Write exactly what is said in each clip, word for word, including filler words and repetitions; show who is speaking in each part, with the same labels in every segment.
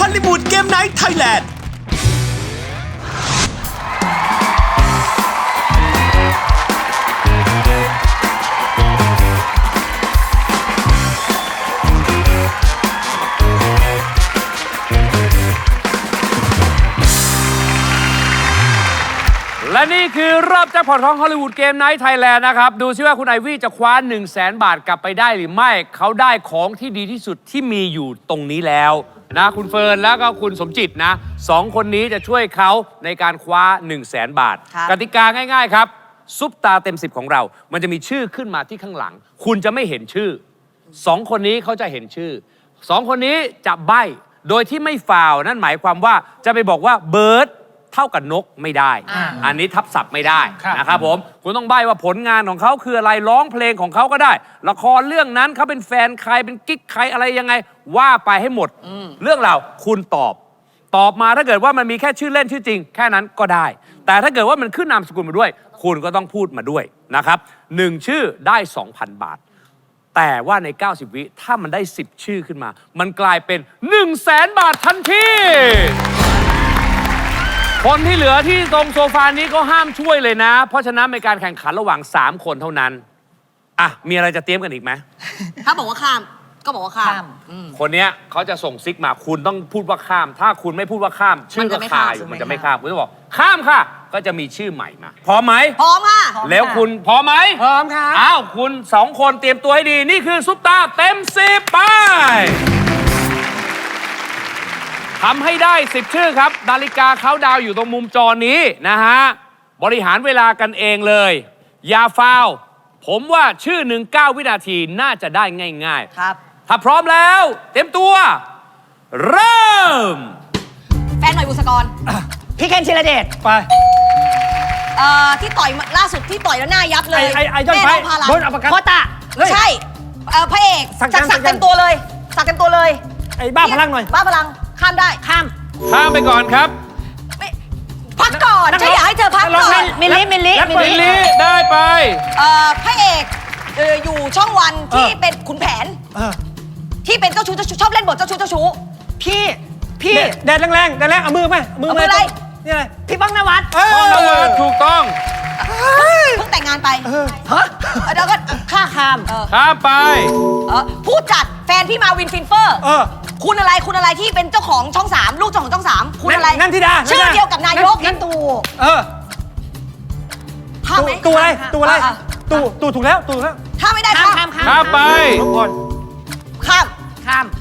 Speaker 1: ลลีวูดเกมไนท์ไทยแลนด์
Speaker 2: และนี่คือรอบแจ็คพอตของฮอลลีวูดเกมไนท์ไทยแลนด์นะครับดูซิว่าคุณไอวี่จะคว้า หนึ่งแสน บาทกลับไปได้หรือไม่เขาได้ของที่ดีที่สุดที่มีอยู่ตรงนี้แล้วนะคุณเฟิร์นแล้วก็คุณสมจิตนะสองคนนี้จะช่วยเขาในการคว้า หนึ่งแสน บาทกติกาง่ายๆครับซุปตาเต็มสิบของเรามันจะมีชื่อขึ้นมาที่ข้างหลังคุณจะไม่เห็นชื่อสองคนนี้เขาจะเห็นชื่อสองคนนี้จะใบ้โดยที่ไม่ฟาวนั่นหมายความว่าจะไปบอกว่าเบิร์ดเท่ากับนกไม่ได้ อ, อันนี้ทับศัพท์ไม่ได้นะครับผมคุณต้องใบ้ว่าผลงานของเขาคืออะไรร้องเพลงของเขาก็ได้ละครเรื่องนั้นเขาเป็นแฟนใครเป็นกิ๊กใครอะไรยังไงว่าไปให้หมดเรื่องราวคุณตอบตอบมาถ้าเกิดว่ามันมีแค่ชื่อเล่นชื่อจริงแค่นั้นก็ได้แต่ถ้าเกิดว่ามันขึ้นนามสกุลมาด้วยคุณก็ต้องพูดมาด้วยนะครับหนึ่งชื่อได้ สองพัน บาทแต่ว่าในเก้าสิบวิถ้ามันได้สิบชื่อขึ้นมามันกลายเป็น หนึ่งแสน บาททันทีคนที่เหลือที่ตรงโซฟานี้ก็ห้ามช่วยเลยนะเพราะฉะนั้นในการแข่งขันระหว่างสามคนเท่านั้นอ่ะมีอะไรจะเตรียมกันอีกไหม
Speaker 3: ถ้าบอกว่าข้ามก็บอกว่าข้าม
Speaker 2: คนเนี้ยเขาจะส่งซิกมาคุณต้องพูดว่าข้ามถ้าคุณไม่พูดว่าข้ามชื่อก็คาอยู่มันจะไม่ข้ามคุณต้องบอกข้ามค่ะก็จะมีชื่อใหม่มาพร้อมไหม
Speaker 3: พร้อมค่ะ
Speaker 2: แล้วคุณพร้อมไหม
Speaker 3: พร้อมค่ะ
Speaker 2: อ้าวคุณสองคนเตรียมตัวให้ดีนี่คือซุปตาเต็มสิบไปทำให้ได้สิบชื่อครับนาฬิกาเขาดาวอยู่ตรงมุมจอนี้นะฮะบริหารเวลากันเองเลยอย่าฟาวผมว่าชื่อหนึ่งเก้าวินาทีน่าจะได้ง่ายๆ
Speaker 3: ครับ
Speaker 2: ถ้าพร้อมแล้วเต็มตัวเริ่ม
Speaker 3: แฟนหน่อยบุษกร
Speaker 4: พี่เคนธีรเดชไป
Speaker 3: เอ่อที่ต่อยล่าสุดที่ต่อยแล้วหน้ายับเลย
Speaker 4: ไอ้ไอ้ยอดไฟโดนอัปคัต
Speaker 3: โคตะใช่เอ่อพระเอกสักสักเต็มตัวเลยสักเต็มตัวเลย
Speaker 4: ไอ้บ้าพลังหน่อย
Speaker 3: บ้าพลังข้ามได้ข้าม
Speaker 2: ข้ามไปก่อนครับ
Speaker 3: พักก่อนฉันอยากให้เธอพักก่อน
Speaker 4: มิลลิมิลลิ
Speaker 2: มิลลิได้ไป
Speaker 3: เอ่อพระเอกเอ่ออยู่ช่องวันที่เป็นขุนแผนที่เป็นเจ้าชู้เจ้าชู้ชอบเล่นบทเจ้าชู้เจ้าชู้
Speaker 4: พี่พี่แดดแรงๆแดดแรงเอามือไหม
Speaker 3: มืออะไร
Speaker 4: นี่อะไรพี่ป้องนวัด
Speaker 2: ป้องนวัดถูกต้อง
Speaker 3: เพิ่งแต่งงานไปฮะแล้วก็ข้าข้าม
Speaker 2: ข้ามไป
Speaker 3: ผู้จัดแฟนพี่มาวินฟินเฟอร์คุณอะไรคุณอะไรที่เป็นเจ้าของช่องสามลูกเจ้าของช่องสามคุณอะไร
Speaker 4: นันทิดา
Speaker 3: ชื่อเดียวกับนายก
Speaker 4: นั่นตู่
Speaker 3: เออข้ามไหม
Speaker 4: ตู่อะไรตู่อะไรตู่ตู่ถูกแล้วตู่แล้ว
Speaker 3: ข้ามไม่ได้ข้ามข้าม
Speaker 2: ข้ามไป
Speaker 3: ข้ามข้าม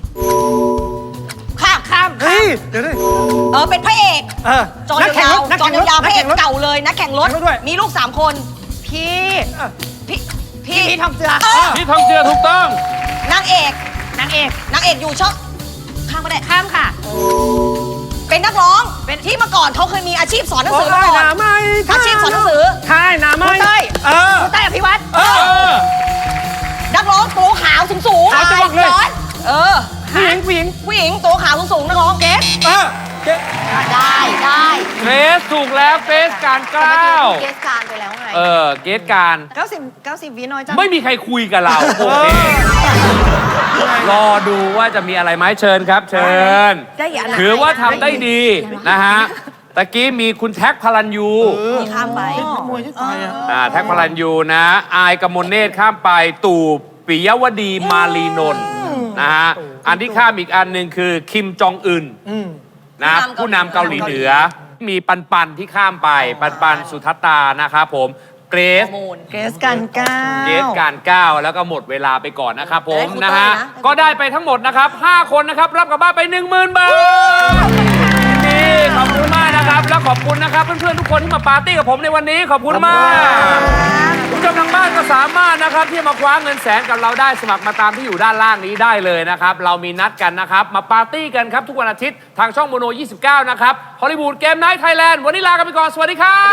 Speaker 3: ข้ามข้าม
Speaker 4: เฮ้ยเดี๋ยวดิ
Speaker 3: เออเป็นพระเอกจอยยาวจอยยาวพระเอกเก่าเลยนักแข่งรถมีลูกสามคนพี่พี่พี่
Speaker 4: พี่ทองเจือ
Speaker 2: พี่ทองเจือถูกต้อง
Speaker 3: นางเอกนางเอกนางเอกอยู่ช่องข้ามก็ได้ข้ามค่ะเป็นนักร้องเป็นที่เมื่อก่อนเขาเคยมีอาชีพสอนหนังสือมาก่อนอาชีพสอนหนังสือ
Speaker 4: ใช่นาไม่
Speaker 3: คุณเต้ยคุณเต้ยอภิวัตรนักร้องตัวขาวสูงสูงย้อนเออ
Speaker 4: ผู้หญิงผู้หญิง
Speaker 3: ผู้หญิงตัวขาวสูงๆนักร้องเกส
Speaker 4: เออเกส
Speaker 3: ได้ได้
Speaker 2: เกสถูกแล้วเกสการเก้า
Speaker 3: เกสการไปแล้วไง
Speaker 2: เออเกสการ
Speaker 3: เก้าสิบเก้าสิบวิน้อยจัง
Speaker 2: ไม่มีใครคุยกับเราโอเครอดูว่าจะมีอะไรไหมเชิญครับเชิญถือว่าทำได้ดีนะฮะตะกี้มีคุณแท็กพลันยู
Speaker 3: ข้ามไป
Speaker 4: มวยที่ต่อย
Speaker 2: อ่าแท็กพลันยูนะอายกมลเนตรข้ามไปตู่ปิยวดีมาลีนนท์นะฮะอันที่ข้ามอีกอันหนึ่งคือคิมจองอึนนะผู้นำเกาหลีเหนือมีปันปันที่ข้ามไปปันปันสุทัตตานะครับผมเกรซ
Speaker 3: เกรซการเก้า
Speaker 2: เกรซการเก้าแล้วก็หมดเวลาไปก่อนนะครับผมนะฮะก็ได้ไปทั้งหมดนะครับห้าคนนะครับรับกลับบ้านไป หนึ่งหมื่น บาทนี่ขอบคุณมากนะครับและขอบคุณนะครับเพื่อนๆทุกคนที่มาปาร์ตี้กับผมในวันนี้ขอบคุณมากผู้ชมทางบ้านก็สามารถนะครับที่มาคว้าเงินแสนกับเราได้สมัครมาตามที่อยู่ด้านล่างนี้ได้เลยนะครับเรามีนัดกันนะครับมาปาร์ตี้กันครับทุกวันอาทิตย์ทางช่องโมโนยี่สิบเก้านะครับฮอลลีวูดเกมไนท์ไทยแลนด์วันนี้ลากันไปก่อนสวัสดีครับ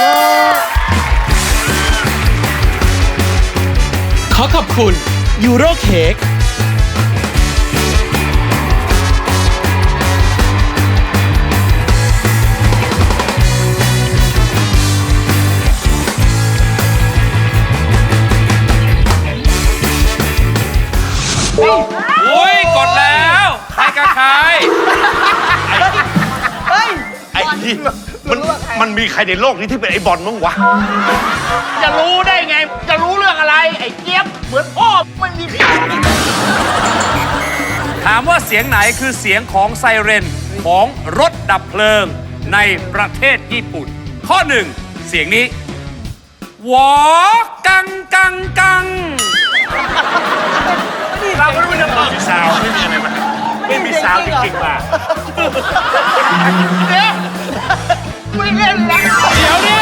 Speaker 1: ขอขอบคุณยูโรเค้ก
Speaker 2: โอ้ยกดแล้วใครกับใคร
Speaker 5: มันมันมีใครในโลกนี้ที่เป็นไอ้บอลมั้งวะ
Speaker 6: จะรู้ได้ไง จะรู้เรื่องอะไร ไอ้เจี๊ยบ เหมือนพ่อไม่มีพี่
Speaker 2: ถามว่าเสียงไหนคือเสียงของไซเรนของรถดับเพลิงในประเทศญี่ปุ่น ข้อหนึ่งเสียงนี้หวอกังกังกัง
Speaker 6: เราไม่รู้จะตอบ
Speaker 5: มีซาวด์ไม่มีอะไรมาไม่มีซาวด์จริงๆมา
Speaker 6: เดี๋ยวไม่เล่นแล้ว
Speaker 2: เดี๋ยวนี้